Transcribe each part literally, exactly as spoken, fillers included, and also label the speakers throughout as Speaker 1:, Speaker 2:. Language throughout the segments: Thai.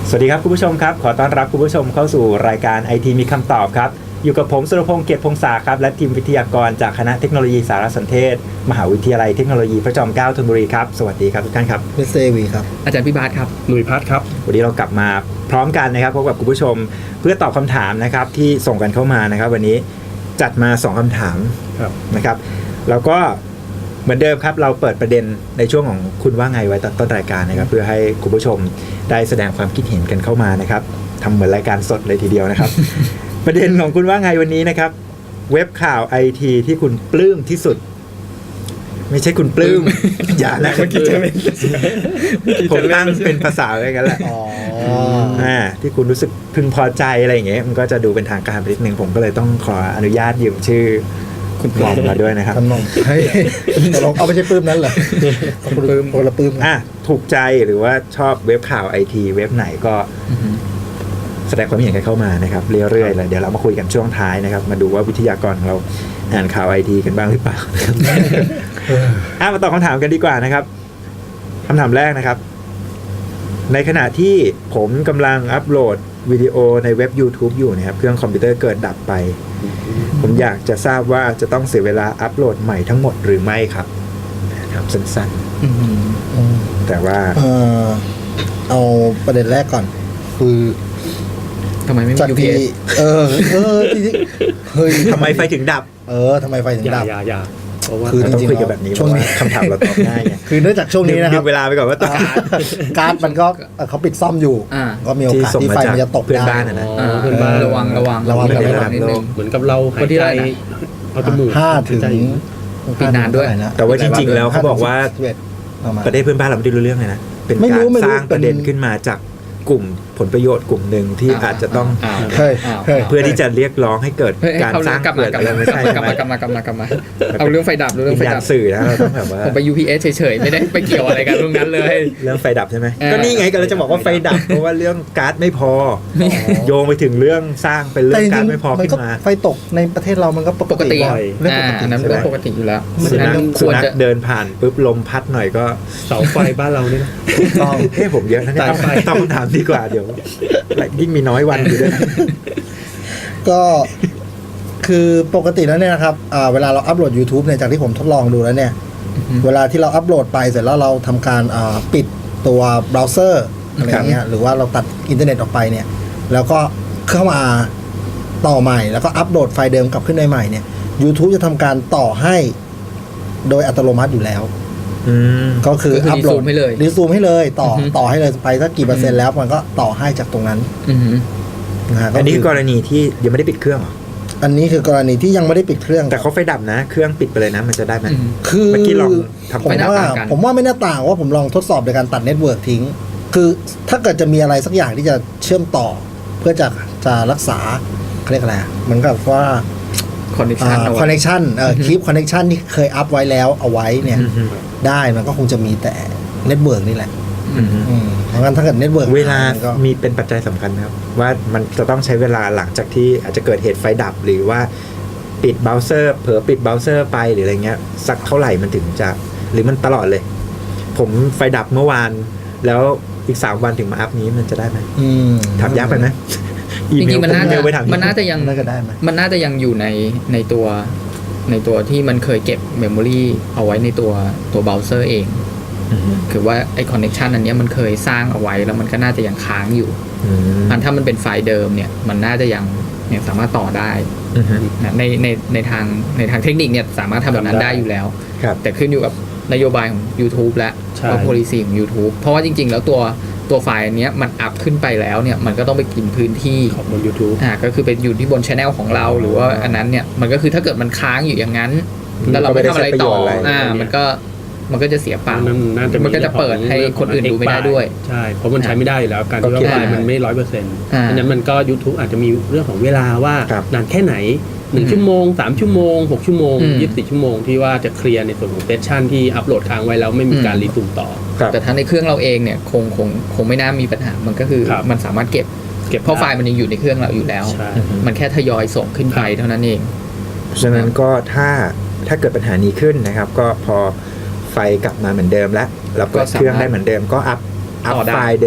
Speaker 1: สวัสดีครับคุณผู้ชมครับขอต้อนรับคุณผู้ชมเข้าสู่รายการ ไอ ที มีคำตอบครับอยู่กับผมสุรพงษ์เกียรติพงษาครับและทีมวิทยากรจากคณะเทคโนโลยีสารสนเทศมหาวิทยาลัยเทคโนโลยีพระจอมเกล้าธนบุรีครับสวัสดีครับทุกท่านครับ
Speaker 2: มิสเตอร์วีครับ
Speaker 3: อาจารย์พิบาทครับ
Speaker 4: หนุ่ยพัฒน์ครับ
Speaker 1: วันนี้เรากลับมาพร้อมกันนะครับพบกับคุณผู้ชมเพื่อตอบคำถามนะครับที่ส่งกันเข้ามานะครับวันนี้จัดมาสองคำถามนะครับแล้วก็เหมือนเดิมครับเราเปิดประเด็นในช่วงของคุณว่าไงไว้ตอนต้นรายการนะครับเพื่อให้คุณผู้ชมได้แสดงความคิดเห็นกันเข้ามานะครับทำเหมือนรายการสดเลยทีเดียวนะครับ ประเด็นของคุณว่าไงวันนี้นะครับเว็บข่าว ไอ ที ที่คุณปลื้มที่สุดไม่ใช่คุณปลื้ม อย่านะเมื่อกี้จะเป็นผมตั้งเป็นภาษาอะไรกันแหละอ๋ออ่าที่คุณรู้สึกพึงพอใจอะไรอย่างเงี้ยมันก็จะดูเป็นทางการไปนิดนึงผมก็เลยต้องขออนุญาตยืมชื่อคุณปลอมมาด้วยนะครับ
Speaker 2: ท่านมองให้ลองเอาไม่ใช่ปื้มนั้นเหรอปื้มคนละปื้ม
Speaker 1: อ่ะถูกใจหรือว่าชอบเว็บข่าว ไอ ที เว็บไหนก็แสดงความเห็นกันเข้ามานะครับเรื่อยๆเลยเดี๋ยวเรามาคุยกันช่วงท้ายนะครับมาดูว่าวิทยากรของเราอ่านข่าว ไอ ที กันบ้างหรือเปล่าอ่ะมาตอบคำถามกันดีกว่านะครับคำถามแรกนะครับในขณะที่ผมกำลังอัปโหลดวิดีโอในเว็บ YouTube อยู่นะครับเครื่องคอมพิวเตอร์เกิดดับไปผมอยากจะทราบว่าจะต้องเสียเวลาอัปโหลดใหม่ทั้งหมดหรือไม่ครับนะครับสั้นๆแต่ว่า
Speaker 2: เออเอาประเด็นแรกก่อนคือ
Speaker 3: ทำไมไม่มี ยู พี เอส
Speaker 2: เออเออเฮ้ย
Speaker 1: ทำไมไฟถึงดับ
Speaker 2: เออทำไมไฟถึงดับ
Speaker 4: อย่าอย่าเพราะว่า
Speaker 1: คือต้องคุยกันแบบนี้ช่วงนี้คำถามเราตอบง่ายไง
Speaker 2: คือเนื่องจากช่วงนี้นะครับ
Speaker 1: เวลาไปก่อนว่าต้อง
Speaker 2: การ์ดมันก็เขาปิดซ่อมอยู่ก็มีโอกาสที่ไฟมันจะตกได้
Speaker 1: นะ
Speaker 3: เพื่อนบ้านระวังระวัง
Speaker 2: ระวังกัน
Speaker 3: นิดนึง
Speaker 4: เหมือนกับเราหายใจเอาจมูก
Speaker 2: ห้าถึง
Speaker 3: ปีนานด้วย
Speaker 1: แต่ว่าจริงๆแล้วเขาบอกว่าประเทศเพื่อนบ้านเราไม่ได้รู้เรื่องเลยนะเป็นการสร้างประเด็นขึ้นมาจากกลุ่มผลประโยชน์กลุ่มหนึ่งที่อาจจะต้องเพื่อที่จะเรียกร้องให้เกิดการสร้างเกิดอะไรไม่ใช่
Speaker 3: กลับมากลับมากลับมากลับมาเอาเรื่องไฟดับเรื่องไฟดับ
Speaker 1: สื่อนะเราต้องแบบว่า
Speaker 3: ผมไป ยู พี เอส เฉยๆไม่ได้ไปเกี่ยวอะไรกันเรื่องนั้นเลย
Speaker 1: เรื่องไฟดับใช่ไหมก็นี่ไงก็เราจะบอกว่าไฟดับเพราะว่าเรื่องการ์ดไม่พอโยงไปถึงเรื่องสร้างเป็นเรื่องการ์ดไม่พอขึ้นมา
Speaker 2: ไฟตกในประเทศเรามันก็ปกติ
Speaker 3: เรื่องปกตินั้นเรื่องปกติอยู่แล้ว
Speaker 1: สุนัขควรจะเดินผ่านปุ๊บลมพัดหน่อยก็
Speaker 4: เสาไฟบ้านเราเนี่ย
Speaker 1: ต้องเฮ้ผมเยอะนะเนี่ยต้องถามดีกว่าเดี๋ยวยิ่งมีน้อยวันอยู่ด้วย
Speaker 2: ก็คือปกติแล้วเนี่ยนะครับเวลาเราอัปโหลด YouTube เนี่ยจากที่ผมทดลองดูแล้วเนี่ยเวลาที่เราอัปโหลดไปเสร็จแล้วเราทำการปิดตัวเบราว์เซอร์อะไรอย่างเงี้ยหรือว่าเราตัดอินเทอร์เน็ตออกไปเนี่ยแล้วก็เข้ามาต่อใหม่แล้วก็อัปโหลดไฟล์เดิมกลับขึ้นได้ใหม่เนี่ย YouTube จะทำการต่อให้โดยอัตโนมัติอยู่แล้วก็คืออัปโหลด
Speaker 3: ให้เลย
Speaker 2: รีซูมให้เลยต่อต่อให้เลยไปสักกี่เปอร์เซ็นต์แล้วมันก็ต่อให้จากตรงนั้น
Speaker 1: อันนี้คือกรณีที่ยังไม่ได้ปิดเครื่องหรอ
Speaker 2: อันนี้คือกรณีที่ยังไม่ได้ปิดเครื่อง
Speaker 1: แต่เขาไฟดับนะเครื่องปิดไปเลยนะมันจะได้ไหม
Speaker 2: คือ
Speaker 1: เมื่อกี้ลองทำ
Speaker 2: ผมว่าผมว่าไม่น่าต่างว่าผมลองทดสอบในการตัดเน็ตเวิร์กทิ้งคือถ้าเกิดจะมีอะไรสักอย่างที่จะเชื่อมต่อเพื่อจะจะรักษาเขาเรียกอะไรเหมือนกับว่า
Speaker 3: คอนเนคชั่น
Speaker 2: คอนเนคชั่นเอ่อคลิปคอนเนคชั่นที่เคยอัพไว้แล้วเอาไว้เนี่ยได้มันก็คงจะมีแต่เน็ตเวิร์กนี่แหละเพราะงั้นถ้าเกิดเน็ตเวิร์ก
Speaker 1: เวลามีเป็นปัจจัยสำคัญนะครับว่ามันจะต้องใช้เวลาหลังจากที่อาจจะเกิดเหตุไฟดับหรือว่าปิดเบราว์เซอร์เผลอปิดเบราว์เซอร์ไปหรืออะไรเงี้ยสักเท่าไหร่มันถึงจะหรือมันตลอดเลยผมไฟดับเมื่อวานแล้วอีกสามวันถึงมาอัพนี้มันจะได้ไหมถามยากไปไหม
Speaker 3: จริงๆมันน่าจะมันน่าจะยังมันน่าจะยังอยู่ในในตัวในตัวที่มันเคยเก็บเมมโมรีเอาไว้ในตัวตัวเบราว์เซอร์เองคือว่าไอคอนเนคชันอันนี้มันเคยสร้างเอาไว้แล้วมันก็น่าจะยังค้างอยู่อันถ้ามันเป็นไฟล์เดิมเนี่ยมันน่าจะยังยังสามารถต่อได้นะในในในทางในทางเทคนิคเนี่ยสามารถทำแบบนั้นได้อยู่แล้วแต่ขึ้นอยู่กับนโยบายของ YouTube และว่า policy ของ YouTube เพราะว่าจริงๆแล้วตัวตัวไฟล์อันนี้มันอัพขึ้นไปแล้วเนี่ยมันก็ต้องไปกินพื้นที่
Speaker 4: ของบน YouTube
Speaker 3: อ่าก็คือไปอยู่ที่บน channel ของเราหรือว่าอันนั้นเนี่ยมันก็คือถ้าเกิดมันค้างอยู่อย่างนั้นแล้วเราไม่ทำอะไรต่ออ่ามันก็มันก็จะเสียเปล่ามันก็จะเปิดให้คนอื่นดูไม่ได้ด้วย
Speaker 4: ใช่เพราะมันใช้ไม่ได้อยู่แล้วการที่ว่าไฟล์มันไม่ ร้อยเปอร์เซ็นต์ อันนั้นมันก็ YouTube อาจจะมีเรื่องของเวลาว่านานแค่ไหนหนึ่งชั่วโมงสามชั่วโมงหกชั่วโมงยี่สิบสี่ชั่วโมงที่ว่าจะเคลียร์ในส่วนของเซสชั่นที่อัปโหลดค้างไว้แล้วไม่มีการรีซูมต่อ
Speaker 3: แต่ทั้งในเครื่องเราเองเนี่ยคงคงคงไม่น่ามีปัญหามันก็คือมันสามารถเก็บเก็บเพราะไฟล์มันยังอยู่ในเครื่องเราอยู่แล้วมันแค่ทยอยส่งขึ้นไปเท่านั้นเอง
Speaker 1: ฉะนั้นก็ถ้าถ้าเกิดปัญหานี้ขึ้นนะครับก็พอไฟกลับมาเหมือนเดิมแล้วเราเปิดเครื่องได้เหมือนเดิมก็อัพอัพไฟล์เดิมกลับ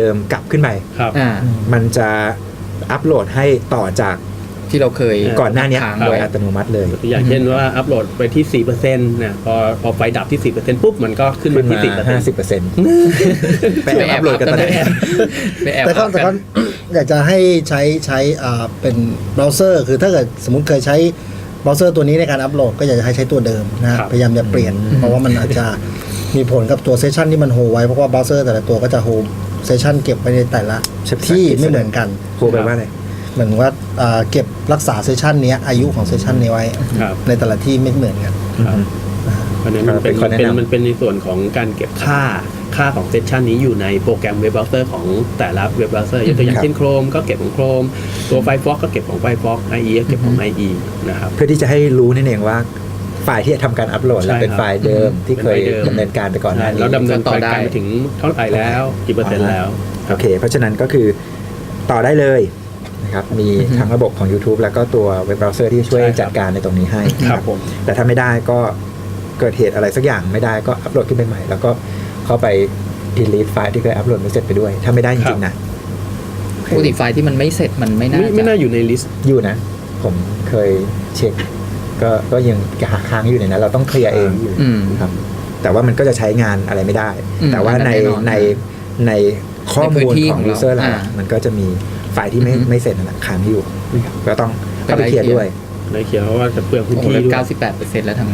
Speaker 1: ขึ้นไป
Speaker 4: ครับ
Speaker 3: อ่า
Speaker 1: มันจะอัปโหลดให้ต่อจาก
Speaker 3: ที่เราเคย
Speaker 1: ก่อนหน้านี้
Speaker 3: ค้าง
Speaker 1: โดย
Speaker 3: ไว้
Speaker 1: อัตโนมัติเลย
Speaker 4: อย่างเช่นว่าอัปโหลดไปที่ สี่เปอร์เซ็นต์ นะพอพอไฟดับที่ สี่เปอร์เซ็นต์ ปุ๊บมันก็ขึ้น
Speaker 1: ขึ้
Speaker 4: มาน ที่
Speaker 1: มา
Speaker 4: สี่เปอร์เซ็นต์
Speaker 1: ห้าสิบเปอร์เซ็นต์ไป
Speaker 3: ไป
Speaker 1: แอบอัปโหลดกันตอนไหน
Speaker 3: ไปแอบ
Speaker 2: แต่ก็
Speaker 3: อัพ
Speaker 2: แต่
Speaker 3: กั
Speaker 2: ก็
Speaker 3: น
Speaker 2: อยากจะให้ใช้ใช้อ่าเป็นเบราว์เซอร์ คือถ้าเกิดสมมติเคยใช้เบราว์เซอร์ตัวนี้ในการอัปโหลดก็อยากจะให้ใช้ตัวเดิมนะพยายามอย่าเปลี่ยน เพราะว่ามันอาจจะมีผลกับตัวเซสชันที่มันโฮไว้เพราะว่าเบราว์เซอร์แต่ละตัวก็จะโฮเซสชันเก็บไว้ในแต่ละที่ไม่เหมือนกัน
Speaker 1: โหแปลว่าอะไร
Speaker 2: เหมือนว่าอ่าเก็บรักษาเซสชันเนี้ยอายุของเซสชันนี้ไว้
Speaker 4: ครับ
Speaker 2: ในแต่ละที่ไม่เหมือนกัน
Speaker 4: ครับเพราะฉะนั้นมันเป็น
Speaker 1: เป็นข้อแนะ
Speaker 4: เป็น
Speaker 1: นำ
Speaker 4: มันเป็นในส่วนของการเก็บค่าค่าของเซสชันนี้อยู่ในโปรแกรมเว็บเบราว์เซอร์ของแต่ละเว็บเบราว์เซอร์ยกตัวอย่างเช่น Chrome ก็เก็บของ Chrome ตัว Firefox ก็เก็บของ Firefox ไอ อี ก็เก็บของ ไอ อี นะครับ
Speaker 1: เพื่อที่จะให้รู้นั่นเองว่าไฟล์ที่จะทำการอัปโหลดแล้ว
Speaker 4: ใช่
Speaker 1: เป็น
Speaker 4: ครับ
Speaker 1: ไฟล์เดิมที่เคย
Speaker 4: เป็นไฟล์เดิม
Speaker 1: ดำเนินการไปก่อนหน้านี้
Speaker 4: แล้วดำเนิน
Speaker 3: ต่อ
Speaker 4: การ
Speaker 3: ได้
Speaker 4: ไปถึงเท่าไหร่แล้วกี่เปอร์เซ็นต์แล้ว
Speaker 1: โอเค เพราะฉะนั้นก็คือต่อได้เลยนะครับมีทั้งระบบของ YouTube แล้วก็ตัวเว็บเบราว์เซอร์ที่ช่วย
Speaker 4: ใช่ครับ
Speaker 1: จัดการในตรงนี้ให้
Speaker 4: ครับผม
Speaker 1: แต่ถ้าไม่ได้ก็เกิดเหตุอะไรสักอย่างไม่ได้ก็อัปโหลดขึ้นไปใหม่ แล้วก็เข้าไป delete ไฟล์ที่เคยอัปโหลดไม่เสร็จไปด้วย ถ้าไม่ได้จริงๆนะ
Speaker 3: ปกติไฟล์ที่มันไม่เสร็จมันไม่น่า
Speaker 4: ไม่ไม่น่า
Speaker 3: จะ
Speaker 4: อยู่ในลิสต์
Speaker 1: อยู่นะ ผมเคยเช็ค ก็ก็ยังค้างอยู่ในนั้นเราต้องเคลียร์เอง
Speaker 3: อืม
Speaker 1: ครับแต่ว่ามันก็จะใช้งานอะไรไม่ได้
Speaker 3: อืม
Speaker 1: แต่ว่า
Speaker 3: อันนั้น
Speaker 1: ใน
Speaker 3: แน่นอน
Speaker 1: ในในข้อ
Speaker 3: ในพื้
Speaker 1: มูล
Speaker 3: นที่
Speaker 1: ของ
Speaker 3: ของเรา
Speaker 1: user เรา
Speaker 3: อ่า
Speaker 1: มันก็จะมีไฟล์ที่ไม่
Speaker 3: อือฮึ
Speaker 1: ไม่เสร็จนั่นแหละค้างอยู่นะครับก็ต้องเข้าไป
Speaker 3: ไปไล่
Speaker 1: เคลียร์
Speaker 3: เคลียร์
Speaker 1: ด้วย
Speaker 4: ในเขียนเพราะว่าจะเปลืองพื้น
Speaker 3: โอ้โห
Speaker 4: ที่
Speaker 3: แล้ว
Speaker 4: ด้วย
Speaker 3: เก้าสิบแปดเปอร์เซ็นต์แล้วทำไง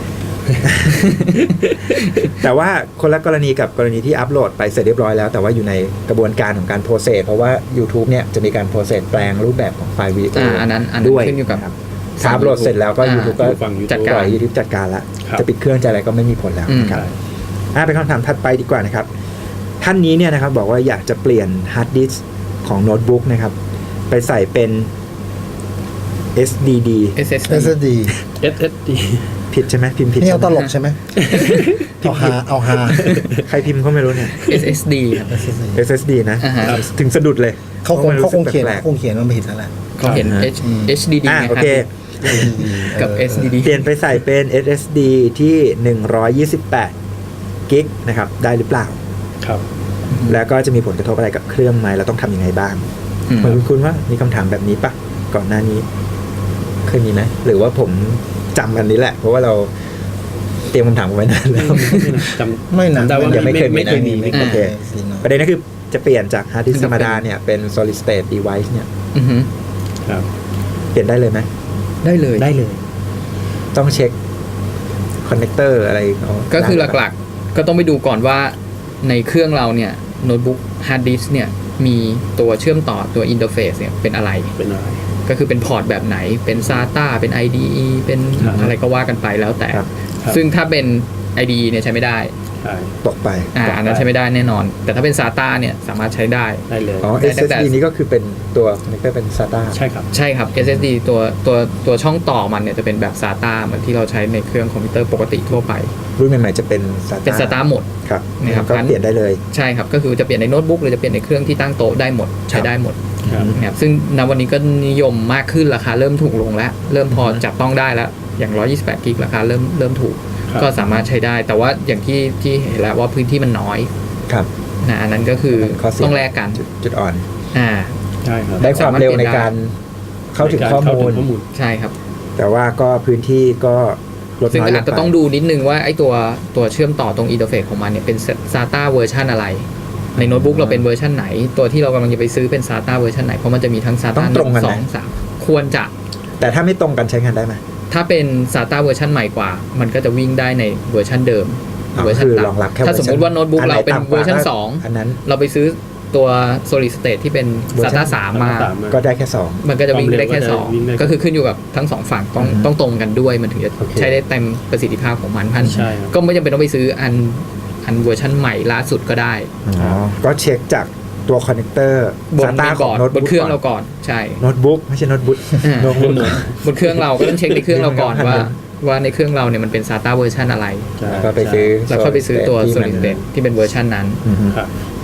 Speaker 1: แต่ว่าคนละกรณีกับกรณีที่อัปโหลดไปเสร็จเรียบร้อยแล้ว แต่ว่าอยู่ในกระบวนการของการโปรเซสเพราะว่า YouTube เนี่ยจะมีการโปรเซสแปลงรูปแบบของไฟล์วิดีโอ
Speaker 3: อ่าอันนั้นอันนั้น
Speaker 1: ด้วย
Speaker 3: ขึ้นอยู่กับ
Speaker 1: ครับถ้าอัปโหลดเสร็จแล้วก็
Speaker 3: อ่า
Speaker 1: YouTube ก็
Speaker 4: ฝั่ง YouTube
Speaker 3: จัด
Speaker 1: ป
Speaker 3: การ
Speaker 1: ล่อย YouTube จัดการละ
Speaker 4: ครับ
Speaker 1: จะปิดเครื่องจะอะไรก็ไม่มีผลแล้ว
Speaker 3: อืม
Speaker 1: นะครับอ่าเป็นคำถามถัดไปดีกว่านะครับ ท่านนี้เนี่ยนะครับบอกว่าอยากจะเปลี่ยนฮาร์ดดิสก์ของโน้ตบุ๊กนะครับ ไปใส่เป็น เอส ดี ดี
Speaker 3: เอส เอส
Speaker 2: เอส ดี
Speaker 4: เอส เอส ดี
Speaker 1: ผิดใช่ไหมพิมพ์ผิด
Speaker 2: นี่
Speaker 1: ใช่
Speaker 2: เอา
Speaker 1: ไห
Speaker 2: ต
Speaker 1: ม
Speaker 2: ลกใช่ไหม เอาฮาเอาฮา
Speaker 1: ใครพิมพ์ก็ไม่รู้เนี่ย
Speaker 3: เอส เอส ดี ครับ
Speaker 2: เอส ดี
Speaker 1: เอส เอส ดี นะ
Speaker 3: อ่าฮะ
Speaker 1: ถึงสะดุดเลย
Speaker 2: เขาคงเขาคงเขียน
Speaker 1: แปลก
Speaker 2: เขาคงเขียนมันผิดแล้วแหละ
Speaker 3: เขาเห็น H เอช ดี ดี
Speaker 1: อ่า
Speaker 3: ไง
Speaker 1: โอ
Speaker 3: ครับ
Speaker 1: เค
Speaker 3: กับ เอส ดี ดี
Speaker 1: เปลี่ยนไปใส่เป็น เอส เอส ดี ที่หนึ่งร้อยยี่สิบแปดกิกนะครับ ได้หรือเปล่า
Speaker 4: ครับ
Speaker 1: แล้วก็จะมีผลกระทบอะไรกับเครื่องไหมเราต้องทำยังไงบ้าง
Speaker 3: อืม
Speaker 1: เหมือนคุณว่ามีคำถามแบบนี้ปะก่อนหน้านี้ เคยมีไหมหรือว่าผมจำอันนี้แหละ เพราะว่าเราเตรียมคำถามเอาไว้นานแล้ว
Speaker 4: จำ
Speaker 2: ไม่นะ
Speaker 4: จำได้ว่า
Speaker 1: ยังไม่เคยมี
Speaker 4: ไม่เคยมี
Speaker 1: นะ
Speaker 4: ไม่เคย
Speaker 1: โอเค
Speaker 2: สินะ
Speaker 1: ประเด็นก็คือจะเปลี่ยนจากฮาร์ดดิสก์
Speaker 3: คือ
Speaker 1: ธรรมดา
Speaker 3: เป็น
Speaker 1: เนี่ยเป็น solid state device เนี่ย
Speaker 3: อือฮึ
Speaker 4: ครับ
Speaker 1: เปลี่ยนได้เลยไหม
Speaker 3: ได้เลย
Speaker 4: ได้เลย
Speaker 1: ต้องเช็คคอนเนคเตอร์อะไรเอา
Speaker 3: ก็คือ
Speaker 1: ได้
Speaker 3: หลักๆ ก็ต้องไปดูก่อนว่าในเครื่องเราเนี่ยโน้ตบุ๊กฮาร์ดดิสก์เนี่ยมีตัวเชื่อมต่อตัวอินเทอร์เฟซเนี่ยเป็นอะไร
Speaker 4: เป็นอะไร
Speaker 3: ก็คือเป็นพอร์ตแบบไหนเป็น ซาต้า เป็น ไอ ดี อี เป็น
Speaker 4: ครับ
Speaker 3: อะไรก็ว่ากันไปแล้วแต่
Speaker 1: ครับ
Speaker 4: ครับ
Speaker 3: ซึ่งถ้าเป็น ไอ ดี อี เนี่ยใช้ไม่ได้
Speaker 4: ใช่
Speaker 1: ตกไป
Speaker 3: อ่า
Speaker 4: ตกไป
Speaker 3: อันนั้นใช้ไม่ได้แน่นอน แต่ถ้าเป็น ซาต้า เนี่ยสามารถใช้ได้
Speaker 4: ได้เลย
Speaker 1: อ๋อ
Speaker 3: ได้
Speaker 1: เอส
Speaker 3: ตั้งแต่
Speaker 1: เอส ดี นี้ก็คือเป็นตัวคอนเนคเตอร์เป็น SATA
Speaker 4: ใช่ครับ
Speaker 3: ใช่ครับ เอส เอส ดี ตัวตัวตัวช่องต่อมันเนี่ยจะเป็นแบบ ซาต้า เหมือนที่เราใช้ในเครื่องคอมพิวเตอร์ปกติทั่วไป
Speaker 1: รุ่นใหม่ๆจะเป็น SATA
Speaker 3: เป็น ซาต้า หมด
Speaker 1: ครับ
Speaker 3: นะครับ
Speaker 1: ก็เปลี่ยนได้เลย
Speaker 3: ใช่ครับก็คือจะเปลี่ยนในโน้ตบุ๊กหรือจะเปลี่ยนในเครื่องที่ตั้งโต๊ะได้หมดใช้ได้หมด
Speaker 4: ครับ
Speaker 3: นะครับซึ่งณวันนี้ก็นิยมมากขึ้นราคาเริ่มถูกลงแล้ว เริ่มพอจับต้องได้แล้วอย่างหนึ่งร้อยยี่สิบแปดกิกราคาเริ่มเริ่มถูก
Speaker 4: ครับ
Speaker 3: ก็สามารถใช้ได้ แต่ว่าอย่างที่ที่เห็นแล้วว่าพื้นที่มันน้อย
Speaker 1: ครับ
Speaker 3: นะอันนั้นก็คือ
Speaker 1: ข้อเสีย
Speaker 3: ต้องแลกกัน
Speaker 1: จุดจุดอ่อน
Speaker 3: อ่า
Speaker 4: ใช่ครับ
Speaker 1: ได้ความเร็วในการเข้าถึงข้อมูล
Speaker 4: เข้าถึงข้อมูล
Speaker 3: ใช่ครับ
Speaker 1: แต่ว่าก็พื้นที่ก็ลด
Speaker 3: ซึ่ง
Speaker 1: น้อยล
Speaker 3: อาจ
Speaker 1: ง
Speaker 3: จะ
Speaker 1: ไป
Speaker 3: ต้องดูนิดนึงว่าไอ้ตัวตัวเชื่อมต่อตรงอินเทอร์เฟซของมันเนี่ยเป็น ซาต้า เวอร์ชันอะไร ในโน้ตบุ๊กเราเป็นเวอร์ชันไหน ตัวที่เรากำลังจะไปซื้อเป็น ซาต้า เวอร์ชันไหนเพราะมันจะมีทั้ง ซา
Speaker 1: ต้
Speaker 3: ต้า
Speaker 1: อง
Speaker 3: ห
Speaker 1: ตรง
Speaker 3: นึ่
Speaker 1: กัน
Speaker 3: ง
Speaker 1: ไหม
Speaker 3: สองสามควรจะ
Speaker 1: แต่ถ้าไม่ตรงกันใช้งานได้ไหม
Speaker 3: ถ้าเป็น ซาต้า เวอร์ชันใหม่กว่า มันก็จะวิ่งได้ในเวอร์ชันเดิม
Speaker 1: อ๋อ
Speaker 3: เวอร์ชัน
Speaker 1: คือ
Speaker 3: ต่ำ
Speaker 1: รองรับแค่
Speaker 3: ถ้าสมมุติว่าโน้ตบุ๊ก
Speaker 1: อันไหน
Speaker 3: เราเป็น
Speaker 1: ต่ำกว่า
Speaker 3: เวอร์ชัน
Speaker 1: ก็
Speaker 3: สอง
Speaker 1: อันนั้น
Speaker 3: เราไปซื้อตัว solid state ที่เป็น
Speaker 1: เวอร์ชัน
Speaker 3: ซาต้า สามมา
Speaker 4: สามมา
Speaker 1: ก็ได้แค่สอง
Speaker 3: มันก็จะวิ่งได้แค่
Speaker 4: ความเร็วก็จะ
Speaker 3: สอง
Speaker 4: วิ่งได้
Speaker 3: ก็คือขึ้นอยู่กับทั้งสองฝั่งต้อง
Speaker 1: อืม
Speaker 3: ต้องตรงกันด้วยมันถึงจะ
Speaker 1: โอเค
Speaker 3: ใช้ได้เต็มประสิทธิภาพของมันพัน
Speaker 4: ใช่ครับ
Speaker 3: ก็ไม่จำเป็นต้องไปซื้ออันอันเวอร์ชันใหม่ล่าสุดก็ได้
Speaker 1: อ๋อก็เช็คจากตัวคอนเนคเตอร์
Speaker 3: บน
Speaker 1: ซาต้า
Speaker 3: ใน
Speaker 1: ข
Speaker 3: บ
Speaker 1: อง
Speaker 3: อร์ด
Speaker 1: โน้ต
Speaker 3: บ
Speaker 1: บุ๊
Speaker 3: น
Speaker 1: ก
Speaker 3: เครื่องเราก่อนใช่
Speaker 1: โน้ตบุ๊กไม่ใช่โน้ตบุ๊ก
Speaker 3: อ่า
Speaker 1: โน้ตบุ๊ก
Speaker 3: บนเครื่องเราก็ต้องเช็คในเครื่องเราก่อนว่าว่าในเครื่องเราเนี่ยมันเป็น ซาต้า เวอร์ชันอะไร
Speaker 4: ใช่
Speaker 1: แล้วก็ไปซื้อ
Speaker 3: แล้วค่อยไปซื้อตัว
Speaker 1: ที่มัน
Speaker 3: solid state ที่เป็นเวอร์ชันนั้น
Speaker 1: อือฮึ
Speaker 4: ครับ
Speaker 1: ก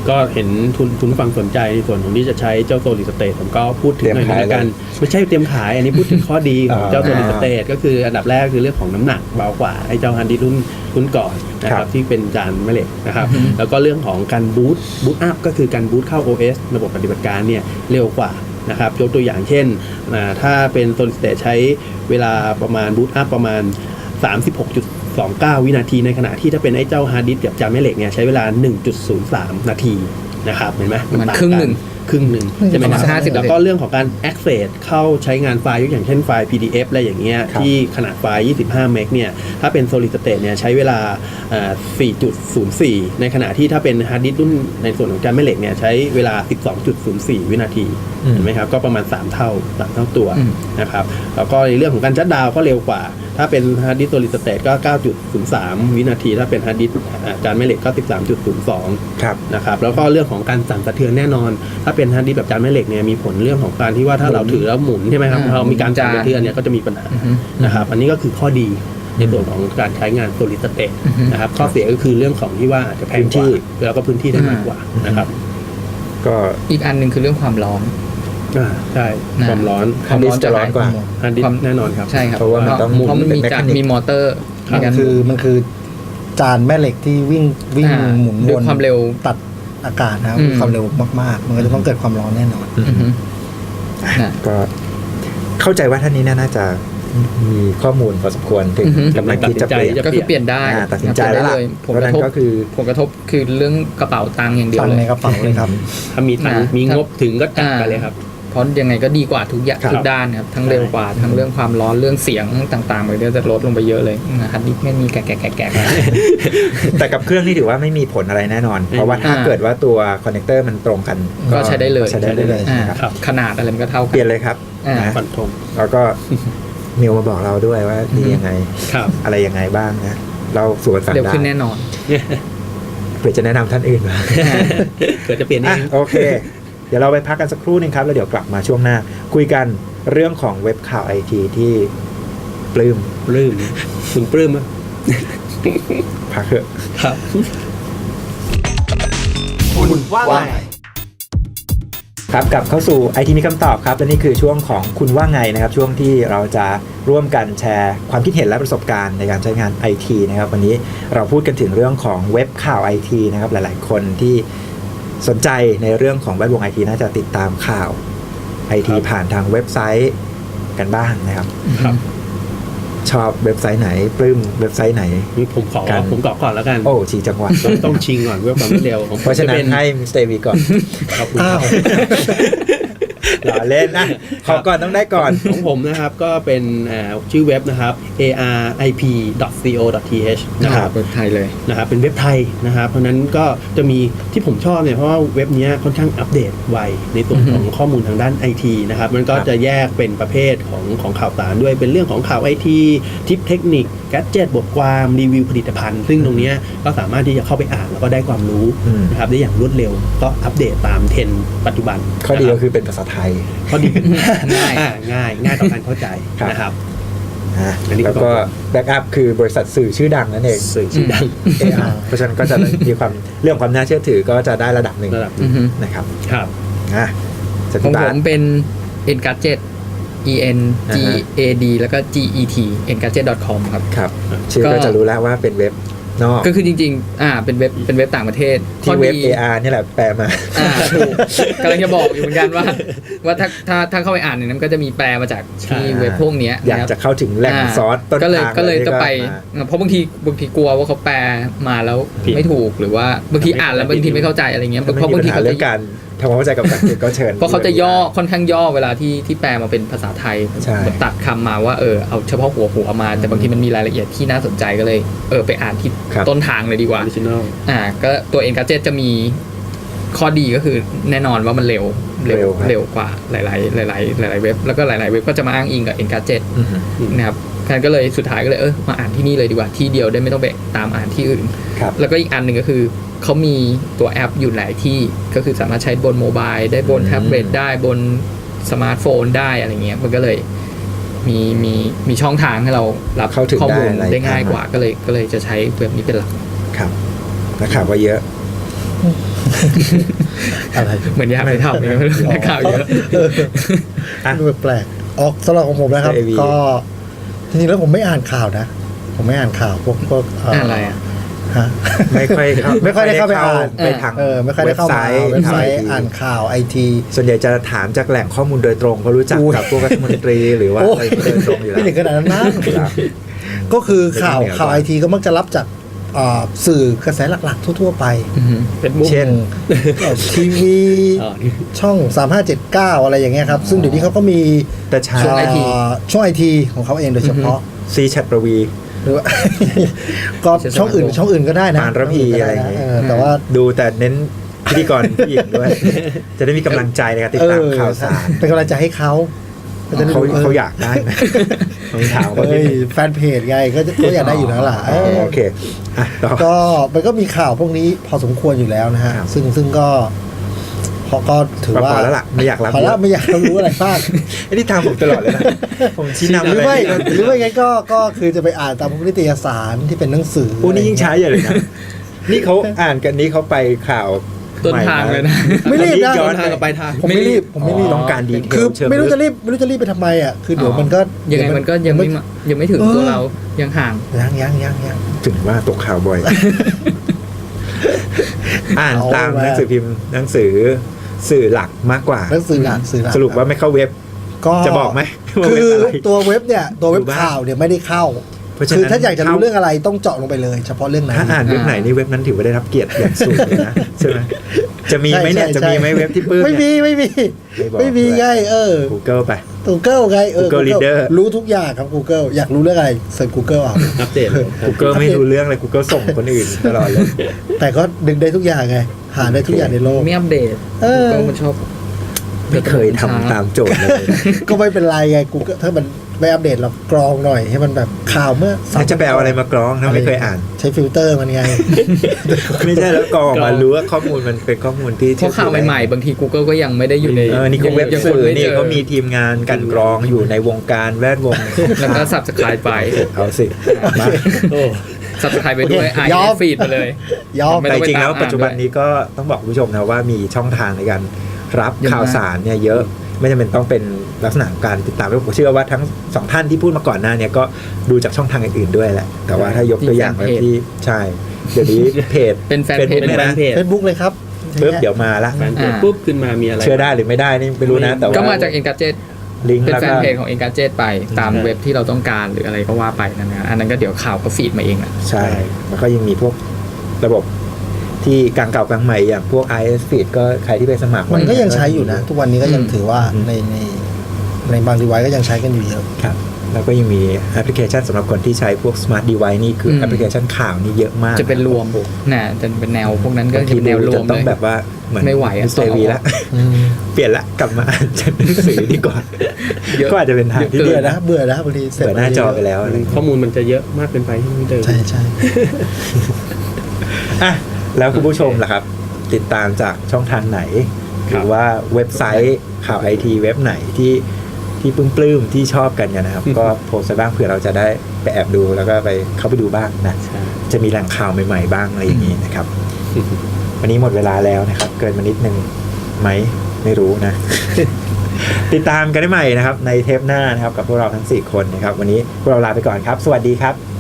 Speaker 4: ก็เห็นทุนทุนฟังสนใจในส่วนของที่จะใช้เจ้า Solid State ผมก็พูดถึงหน่อยนึงกันไม่ใช่เตรียมขายอันนี้พูดถึงข้อดีของเจ้า Solid State ก็คืออันดับแรกคือเรื่องของน้ำหนักเบากว่าไอ้เจ้าฮาร์ดดิสก์รุ่นรุ่นก่อนนะครับที่เป็นจานแม่เหล็กนะครับแล้วก็เรื่องของการบูตบูตอัพก็คือการบูตเข้า โอ เอส ระบบปฏิบัติการเนี่ยเร็วกว่านะครับยกตัวอย่างเช่นถ้าเป็น Solid State ใช้เวลาประมาณบูตอัพประมาณ สามสิบหกจุดสองเก้า วินาทีในขณะที่ถ้าเป็นไอ้เจ้าฮาร์ดดิสก์กับจานแม่เหล็กเนี่ยใช้เวลา หนึ่งจุดศูนย์สาม นาทีนะครับเห็นไหม
Speaker 3: มันครึ่งหนึ่ง
Speaker 4: ครึ่งหนึ่งใช่ไหมครับ
Speaker 3: ห้าสิบ
Speaker 4: แล้วก็เรื่องของการ access เข้าใช้งานไฟล์ยกอย่างเช่นไฟล์ พี ดี เอฟ อะไรอย่างเงี้ยที่ขนาดไฟล์ยี่สิบห้าเมกเนี่ยถ้าเป็น Solid State เนี่ยใช้เวลา สี่จุดศูนย์สี่ ในขณะที่ถ้าเป็นฮาร์ดดิสก์รุ่นในส่วนของจานแม่เหล็กเนี่ยใช้เวลา สิบสองจุดศูนย์สี่ วินาทีเห็นไหมครับก็ประมาณสามเท่าสามเท่าตัวนะครับแล้วก็ในเรื่องของการชัตดาวน์ก็เร็วกว่าถ้าเป็นฮาร์ดดิสก์ Solid State ก็ เก้าจุดศูนย์สาม วินาทีถ้าเป็นฮาร์ดดิสก์จานแม่เหล็กก็ สิบสามจุดศูนย์สอง
Speaker 1: ครับ
Speaker 4: นะครับแล้วก็เรื่องของการสั่นสะเทือนแน่นอนถ้าเป็นฮาร์ดดิสก์แบบจานแม่เหล็กเนี่ยมีผลเรื่องของการที่ว่าถ้าเราถือแล้วหมุนใช่ไหมครับพอมีการสั่นสะเทือนเนี่ยก็จะมีปัญหานะครับอันนี้ก็คือข้อดีในส่วนของการใช้งาน Solid State นะครับข้อเสียก็คือเรื่องของที่ว่าอาจจะแพงกว่าแล้วก็พื้นที่ได้มากกว่านะครับ
Speaker 1: ก็
Speaker 3: อีกอันหนึ่งคือเรื่องความร้อน
Speaker 4: อ่าใช่ความร้อน
Speaker 1: ฮาร์ดดิสก์จะร้อนกว่า
Speaker 4: ฮาร์ดดิสก์แน่นอนครับ
Speaker 3: ใช่ครับ
Speaker 1: เพราะว่ามันต้องหมุน
Speaker 3: เพราะมันมีจานมีมอเตอร์
Speaker 2: มันคือมันคือจานแม่เหล็กที่วิ่งวิ่งหมุนวน
Speaker 3: ความเร็ว
Speaker 2: ตัดอากาศนะครับความเร็วมากๆมันก็จะต้องเกิดความร้อนแน่นอน
Speaker 1: ก็เข้าใจว่าท่านนี้น่าจะมีข้อมูลพอสมควรถึงกำลังที่จะเปลี่ยน
Speaker 3: ก็คือเปลี่ยนได้
Speaker 1: ตัดสินใจแล้วล่ะ
Speaker 3: ผลกระทบก็คือผลกระทบคือเรื่องกระเป๋าตังค์อย่างเดียวเลย
Speaker 2: ในกระเป๋าเลยครับ
Speaker 4: ถ้ามีตังค์มีงบถึงก็จัดไปเลยครับ
Speaker 3: เพราะยังไงก็ดีกว่าทุกอย่างทุกด้านครับทั้งเร็วกว่าทั้งเรื่องความร้อนเรื่องเสียงต่างๆมันก็จะลดลงไปเยอะเลยนะครับนี่ไม่มีแกะแกะแกะแกะ
Speaker 1: แต่กับเครื่องนี่ถือว่าไม่มีผลอะไรแน่นอนเพราะว่าถ้าเกิดว่าตัวคอนเนคเตอร์มันตรงกัน
Speaker 3: ก็ใช้ได้เลย
Speaker 1: ใช้ได้เลย
Speaker 3: ขนาดอะไรมันก็เท่ากัน
Speaker 1: เปลี่ยนเลยครับ
Speaker 4: นะฟันธง
Speaker 1: แล้วก็มิวมาบอกเราด้วยว่าดียังไงอะไรยังไงบ้างนะเราสู่กันฟังได้
Speaker 3: เร็วขึ้นแน่นอน
Speaker 1: เพื่อจะแนะนำท่านอื่นมา
Speaker 4: เผื่อจะเปลี่ยนเอง
Speaker 1: โอเคเดี๋ยวเราไปพักกันสักครู่นึงครับแล้วเดี๋ยวกลับมาช่วงหน้าคุยกันเรื่องของเว็บข่าวไอทีที่ปลื้ม
Speaker 4: ปลื้มคุณปลื้มมั้ย
Speaker 1: พักเถอะ
Speaker 4: ครับ
Speaker 1: คุณว่าไงครับกลับเข้าสู่ ไอ ที มีคำตอบครับและนี่คือช่วงของคุณว่าไงนะครับช่วงที่เราจะร่วมกันแชร์ความคิดเห็นและประสบการณ์ในการใช้งาน ไอ ที นะครับวันนี้เราพูดกันถึงเรื่องของเว็บข่าว ไอ ที นะครับหลายๆคนที่สนใจในเรื่องของแวดวง ไอ ที น่าจะติดตามข่าว ไอ ที ผ่านทางเว็บไซต์กันบ้างนะครับชอบเว็บไซต์ไหนปลื้มเว็บไซต์ไหน
Speaker 4: ผมขอผมกาะก่อนแล้วกัน
Speaker 1: โอ้ชี้จังหวัด
Speaker 4: ต้องชิงก่อนเพื่อความเร็ว
Speaker 1: เพราะฉะนั้นให้มิสเตอร์วีก่อน
Speaker 4: ครับอ้าว
Speaker 1: หล่อเล่นนะขอก่อนต้องได้ก่อน
Speaker 4: ของผมนะครับก็เป็นชื่อเว็บนะครับ เอ อาร์ ไอ พี ดอท ซี โอ ดอท ที เอช นะครับ
Speaker 3: เว็บไทยเลย
Speaker 4: นะครับเป็นเว็บไทยนะครับเพราะนั้นก็จะมีที่ผมชอบเนี่ยเพราะว่าเว็บนี้ค่อนข้างอัปเดตไวในส่วนของข้อมูลทางด้าน ไอ ที นะครับมันก็จะแยกเป็นประเภทของของข่าวสารด้วยเป็นเรื่องของข่าว ไอ ที ทิปเทคนิคแกดเจ็ตบทความรีวิวผลิตภัณฑ์ซึ่งตรงนี้ก็สามารถที่จะเข้าไปอ่านแล้วก็ได้ความรู้นะครับได้อย่างรวดเร็วก็อัปเดตตามเทรนด์ปัจจุบัน
Speaker 1: ข้อดีก็คือเป็นภาษาไทย
Speaker 4: ข้อดีง่ายง่ายง่ายต่อการเข้าใจนะครับ
Speaker 1: แล้วก็แบ็กอัพคือบริษัทสื่อชื่อดังนั่นเอง
Speaker 4: สื่อชื่อดัง
Speaker 1: เพราะฉะนั้นก็จะมีความเรื่องความน่าเชื่อถือก็จะได้ระดับหนึ่งนะครับ
Speaker 4: ครับ
Speaker 1: อ่ะ
Speaker 3: ของผมเป็น Engadget E N G A D แล้วก็ G E T engadget ดอท คอม ครับ
Speaker 1: ครับชื่อก็จะรู้แล้วว่าเป็นเว็บนอก
Speaker 3: ก็คือจริงๆอ่าเป็นเว็บเป็นเว็บต่างประเทศ
Speaker 1: ที่เว็บ เอ อาร์ นี่แหละแปลมา
Speaker 3: อ่าถูกกำลังจะบอกอยู่เหมือนกันว่าว่าถ้าถ้าถ้าเข้าไปอ่านเนี่ยมันก็จะมีแปลมาจากที่เว็บพวกนี้
Speaker 1: อยากจะเข้าถึงแหล่งซอสต้นทาง
Speaker 3: ก็เลยก็เลยจะไปเพราะบางทีบางทีกลัวว่าเขาแปลมาแล้วไม่ถูกหรือว่าบางทีอ่านแล้วบางทีไม่เข้าใจอะไรเงี้ยเพราะบางทีเขาจะ
Speaker 1: ทำความเข้าใจกับภาษาอังกฤษก็เชิญ
Speaker 3: เพราะเขาจะย่อค่อนข้างย่อเวลาที่ที่แปลมาเป็นภาษาไทยตัดคำมาว่าเออเอาเฉพาะหัวหัวมาแต่บางทีมันมีรายละเอียดที่น่าสนใจก็เลยเออไปอ่านที่ต้นทางเลยดีกว่าอ่าก็ตัว Engadget จะมีข้อดีก็คือแน่นอนว่ามันเร็วเร็วเร็วกว่าหลายๆหลายๆหลายๆเว็บแล้วก็หลายๆเว็บก็จะมาอ้างอิงกับ Engadget นะครับก็เลยสุดท้ายก็เลยเออมาอ่านที่นี่เลยดีกว่าที่เดียวได้ไม่ต้องไปตามอ่านที่อื่นแล้วก็อีกอันหนึ่งก็คือเขามีตัวแอปอยู่หลายที่ก็คือสามารถใช้บนโมบายได้บนแท็บเล็ตได้บนสมาร์ทโฟนได้อะไรเงี้ยมันก็เลยมีมีมีช่องทางให้เรารับข้อมูลได้ง่ายกว่าก็เลยก็เลยจะใช้เว็บนี้เป็นหลัก
Speaker 1: ครับนะครับว่าเยอะ
Speaker 2: อะไร
Speaker 3: เหมือนอยากไปทำเลยไม่รู้ในข่าวเยอะ
Speaker 1: อ่ะ
Speaker 2: ดูแปลกๆออกสำหรับของผมนะครับ
Speaker 1: เอ วี
Speaker 2: ก็จริงๆแล้วผมไม่อ่านข่าวนะ ผมไม่อ่านข่าวพวกพวกเ
Speaker 3: อ่านอะไรอ่ะ
Speaker 2: ฮะ
Speaker 1: ไม่ค่อยเข้า
Speaker 2: ไม่ค่อยได้เข้าไปอ่าน
Speaker 1: ไปทาง
Speaker 2: เออไม่ค่อยได้เข้ามา
Speaker 1: เว็
Speaker 2: เว็
Speaker 1: บบ ไซ
Speaker 2: ไซ
Speaker 1: ต์
Speaker 2: ต์อ่านข่าวไอที
Speaker 1: ส่วนใหญ่จะถามจากแหล่งข้อมูลโดยตรงเพราะรู้จัก
Speaker 2: อุ้ย
Speaker 1: กับพวกรัฐมนตรีหรือว่า
Speaker 2: โอ้
Speaker 1: อะไรโดยตรงอยู่แล้ว
Speaker 2: ไม่ถึงขนาดนั้นนะ
Speaker 1: ครับ
Speaker 2: ก็คือข่าว
Speaker 1: ไม่ต้องเหนือ
Speaker 2: ข่าว
Speaker 1: กว่า
Speaker 2: ไอทีก็มักจะรับจากอ่าสื่อกระแสหลักๆ ทั่ว ๆ ไป
Speaker 3: อือฮึ
Speaker 4: เป็นมุก
Speaker 1: เช่น
Speaker 2: ทีวี
Speaker 4: อ๋อนี่
Speaker 2: ช่องสามห้าเจ็ดเก้าอะไรอย่างเงี้ยครับ ซึ่งเดี๋ยวนี้เขาก็มี
Speaker 1: แต่เช้า
Speaker 3: ช่วง ไอ ที
Speaker 2: อ่าช่วงไอทีของเขาเองโดยเฉพาะ
Speaker 1: ซีแชทประวี
Speaker 2: หรือว่า ก็ช่องอื่นช่องอื่นก็ได้นะ
Speaker 1: ปานระพีอะไรอย่างเงี้ย
Speaker 2: เออแต่ว่า
Speaker 1: ดูแต่เน้นพิธีกรผู้หญิงด้วย จะได้มีกำลังใจในการติดตามข่าวสาร
Speaker 2: เป็นกำลังใจให้เขาจะได้
Speaker 1: เขา
Speaker 2: รู้
Speaker 1: เขาอยากได้ไหมต้องถามเขา
Speaker 2: เอ้
Speaker 1: นิด
Speaker 2: ย
Speaker 1: นึง
Speaker 2: แฟนเพจไงก็จะเขาอยากได้อยู่แล้วล่ะเออ
Speaker 1: โอเคอ่ะต่อ
Speaker 2: ก็มันก็มีข่าวพวกนี้พอสมควรอยู่แล้วนะฮะ
Speaker 1: ครับ
Speaker 2: ซึ่งซึ่งก็พอก็ถือว่า
Speaker 1: พอแล้วล่ะไม่อยากรับ
Speaker 2: พอแล้ว
Speaker 1: เยอะ
Speaker 2: ไม่อยากรู้อะไรมาก
Speaker 1: ไอ้นี่ทางผมตลอดเลยนะผมชี้นำ
Speaker 2: หรือ
Speaker 1: อะไร
Speaker 2: ไม่
Speaker 1: นี่ก็
Speaker 2: หรือไม่งั้นก็ก็คือจะไปอ่านตามพวกนิตยสารที่เป็นหนังสือ
Speaker 1: พวกนี้ยิ่งใช้ใหญ่เลยนะนี่เขาอ่านกันนี้เขาไปข่าว
Speaker 3: ต้นทางเลยนะ
Speaker 2: ไม่รีบนะ
Speaker 1: ย้อน
Speaker 4: ทางกับปลายทาง
Speaker 2: ผมไม่รีบผมไม่รีบ
Speaker 1: ต้องการดีเทล
Speaker 2: คือ
Speaker 1: เชิง
Speaker 2: ไม่รู้
Speaker 1: ลึก
Speaker 2: จะรีบไม่รู้จะรีบไปทำไมอ่ะคือเดี๋ยวมันก็
Speaker 3: ยังไงมันก็ยังไม่มายังไม่ถึงตัวเรายังห่าง
Speaker 2: ยังยังยังยัง
Speaker 1: ถึงว่าตกข่าวบ่อย อ่าน
Speaker 2: เอา
Speaker 1: ตาม
Speaker 2: มา
Speaker 1: หนังสือพิมพ์หนังสือสื่อหลักมากกว่า
Speaker 2: หนังสือหลักสื่อหลัก
Speaker 1: สรุปว่าไม่เข้าเว็บ
Speaker 2: ก็
Speaker 1: จะบอกไหมว่า
Speaker 2: คื
Speaker 1: เว็บ
Speaker 2: อ
Speaker 1: อะไร
Speaker 2: ตัวเว็บเนี่ยตัวเว็บ
Speaker 1: ดูบ้าง
Speaker 2: ข่าวเนี่ยไม่ได้เข้า
Speaker 1: เพราะฉะนั้น
Speaker 2: คือถ้าอยากจะรู้
Speaker 1: เข้า
Speaker 2: เรื่องอะไรต้องเจาะลงไปเลย เฉพาะเรื่องนั้น
Speaker 1: ถ้าอ่านเว็บไหนนี่เว็บนั้นถือว่าได้รับเกียรติอย่างสูงเลยนะใช่ไหมจะมีไหมเนี่ย
Speaker 2: ใช่
Speaker 1: จะ
Speaker 2: ใช่
Speaker 1: มีไหมเว็บที่ปื้ม
Speaker 2: ไม่
Speaker 1: เนี่ย
Speaker 2: มีไม่มี
Speaker 1: ไม่บอก
Speaker 2: ไม่มี
Speaker 1: ด้วย
Speaker 2: ไงเออ
Speaker 1: Google ไป
Speaker 2: Google ไงเออ
Speaker 1: Google Reader
Speaker 2: รู้ทุกอย่างครับ Google อยากรู้เรื่องอะไรเสิร์ช Google เอา
Speaker 4: อัปเดต
Speaker 1: Google ไม่รู้เรื่องเลย Google ส่งคนอื่นตลอดเลย
Speaker 2: แต่ก็ดึงได้ทุกอย่างไง หาได้ทุกอย่างในโลก
Speaker 3: ไม่อัปเดต
Speaker 2: เออ
Speaker 3: ก็มันชอบ
Speaker 1: ไม่เคยทำตามโจทย์เลย
Speaker 2: ก็ไม่เป็นไรไง Google ถ้ามันไม่อัปเดตเรากรองหน่อยให้มันแบบข่าวเมื่อ
Speaker 1: แล้วจะแปลอะไรมากรองถ้าไม่เคยอ่าน
Speaker 2: ใช้ฟิลเตอร์มันไง
Speaker 1: ไม่ใช่แล้วกรองออกมารู้ว่าข้อมูลมันเป็นข้อมูลที่
Speaker 3: เพราะข่าวใหม่ๆ บางที Google ก็ยังไม่ได้อยู่ใน
Speaker 1: เออนี่เขาเว็บ
Speaker 3: ยัง
Speaker 1: สื่อ
Speaker 3: ไม่
Speaker 1: นี่
Speaker 3: จอ
Speaker 1: เขามีทีมงานกลันกรองอยู่ในวงการแวดวง
Speaker 3: แล้วก็ subscribe ไป
Speaker 1: เอาสิมา
Speaker 4: โอ้
Speaker 3: subscribe ไปด้วย
Speaker 2: โอเค
Speaker 3: อ่าน
Speaker 2: ยอม
Speaker 3: ฟีดไปเลย
Speaker 2: ยอม
Speaker 3: ไม่
Speaker 1: แต่
Speaker 3: ต้อง
Speaker 1: จริงๆแล้ว
Speaker 3: ไปตาม
Speaker 1: ปัจจุบัน
Speaker 3: อ่านด้วย
Speaker 1: นี้ก็ต้องบอกคุณผู้ชมนะว่ามีช่องทางในการรับ
Speaker 3: เยอะมาก
Speaker 1: ข่าวสารเนี่ยเยอะไม่จำเป็นต้องเป็นลักษณะของการติดตามผมเชื่อว่าทั้งสองท่านที่พูดมาก่อนหน้าเนี่ยก็ดูจากช่องทางอื่นๆด้วยแหละแต่ว่าถ้ายกตัวอย่างแบบที่ใช่เดี๋ยวนี้เพจ
Speaker 3: เป็นแฟนเพจ
Speaker 1: Facebook
Speaker 4: เป็นแฟนเพจ
Speaker 2: เฟซบุ๊กเลยครับ
Speaker 1: ปุ๊บเดี๋ยวมาละ
Speaker 4: แฟนเพจ
Speaker 3: อ่า
Speaker 4: ปุ๊บขึ้นมามีอะไร
Speaker 1: เชื่อได้หรือไม่ได้นี่ไม่รู้นะแต่ว่า
Speaker 3: ก็มาจาก Engadget
Speaker 1: ลิงก์
Speaker 3: เป็น
Speaker 1: แล้ว
Speaker 3: แฟ
Speaker 1: ก็
Speaker 3: นเพจของ Engadget ไปตาม
Speaker 1: อืม
Speaker 3: เว็บที่เราต้องการหรืออะไรก็ว่าไปนั่นนะอันนั้นก็เดี๋ยวข่าวก็ฟีดมาเองอ่ะ
Speaker 1: ใช่แล้วก็ยังมีพวกระบบที่กลางเก่ากลางใหม่อย่างพวก ไอ เอส Feed ก็ใครที่ไปสมัคร
Speaker 2: มันก็ยังใช้อยู่นะ ทุกวันนี้ก็ยัง
Speaker 3: อืม
Speaker 2: ถือว่า
Speaker 1: อืม
Speaker 2: ในในในบางดีไวซ์ก็ยังใช้กันอยู่เยอะ
Speaker 1: ครับแล้วก็ยังมีแอปพลิเคชันสำหรับคนที่ใช้พวก Smart Device นี่คืออ
Speaker 3: ม
Speaker 1: แอปพลิเคชันข่าวนี่เยอะมาก
Speaker 3: จะเป็นรวมน่ะจะเป็นแนวพวกนั้นก็
Speaker 1: บาง
Speaker 3: จะ
Speaker 1: ที
Speaker 3: เป็นแนวรวม
Speaker 1: จะต้อง
Speaker 3: เลย
Speaker 1: แบบว่าเหมือน
Speaker 3: ไม่ไหวอะ
Speaker 1: มิสเตอร์วีละ
Speaker 2: อืม
Speaker 1: เปลี่ยนละกลับมาอ่านจากหนังสือดีกว่า
Speaker 3: เยอะ
Speaker 1: ก็อาจจะเป็นทางที่
Speaker 2: เบื่
Speaker 1: ดี
Speaker 2: อนะเบื่อนะบางทีเสร็จ
Speaker 1: เปิดหน้าจอไปแล้วอะไร
Speaker 4: ข้อมูลมันจะเยอะมากเกินไปที่ไม่เดิม
Speaker 2: ใช่ใช่
Speaker 1: อ่ะแล้วคุณผู้ชมล่ะครับ ติดตามจากช่องทางไหน ห
Speaker 4: ครั
Speaker 1: รื
Speaker 4: บ
Speaker 1: อว่าเว็บไซต์ข่าวไอทีเว็บไหนที่ที่ปลื้มๆที่ชอบกันเนี่ยนะครับ ก็โพสต์ไปบ้างเผื่อเราจะได้ไปแอบดูแล้วก็ไปเข้าไปดูบ้างนะ
Speaker 4: ใช่
Speaker 1: จะมีแหล่งข่าวใหม่ๆบ้างอะไรอย่างนี้นะครับ วันนี้หมดเวลาแล้วนะครับ เกินมานิดนึงไหมไม่รู้นะ ติดตามกันได้ใหม่นะครับ ในเทปหน้านะครับ กับพวกเราทั้งสี่คนนะครับ วันนี้พวกเราลาไปก่อนครับ สวัสดีครับ